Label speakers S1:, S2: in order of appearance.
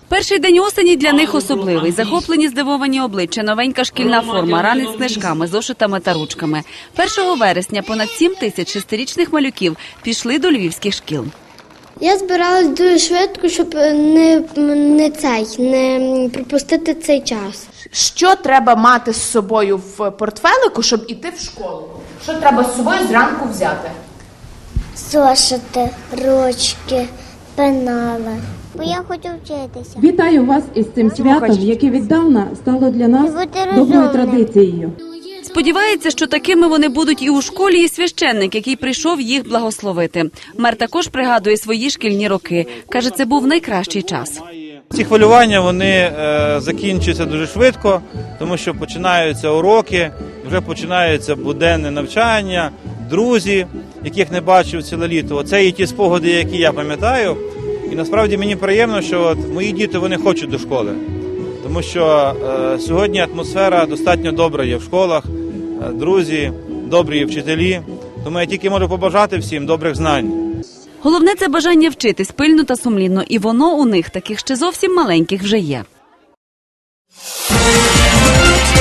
S1: Перший день осені для них особливий. Захоплені, здивовані обличчя, новенька шкільна форма, ранець з книжками, зошитами та ручками. 1 вересня понад 7 тисяч шестирічних малюків пішли до львівських шкіл.
S2: Я збиралась дуже швидко, щоб не пропустити цей час.
S3: Що треба мати з собою в портфелику, щоб іти в школу? Що треба з собою зранку взяти?
S2: Зошити, ручки, пенали. Бо я хочу вчитися.
S4: Вітаю вас із цим святом, яке віддавна стало для нас доброю традицією.
S1: Сподівається, що такими вони будуть і у школі, і священник, який прийшов їх благословити. Мер також пригадує свої шкільні роки. Каже, це був найкращий час.
S5: Ці хвилювання, вони закінчуються дуже швидко, тому що починаються уроки, вже починається буденне навчання, друзі, яких не бачив ціле літо. Оце є ті спогади, які я пам'ятаю. І насправді мені приємно, що мої діти, вони хочуть до школи. Тому що сьогодні атмосфера достатньо добра є в школах, друзі, добрі вчителі. Тому я тільки можу побажати всім добрих знань.
S1: Головне – це бажання вчитись пильно та сумлінно. І воно у них, таких ще зовсім маленьких, вже є.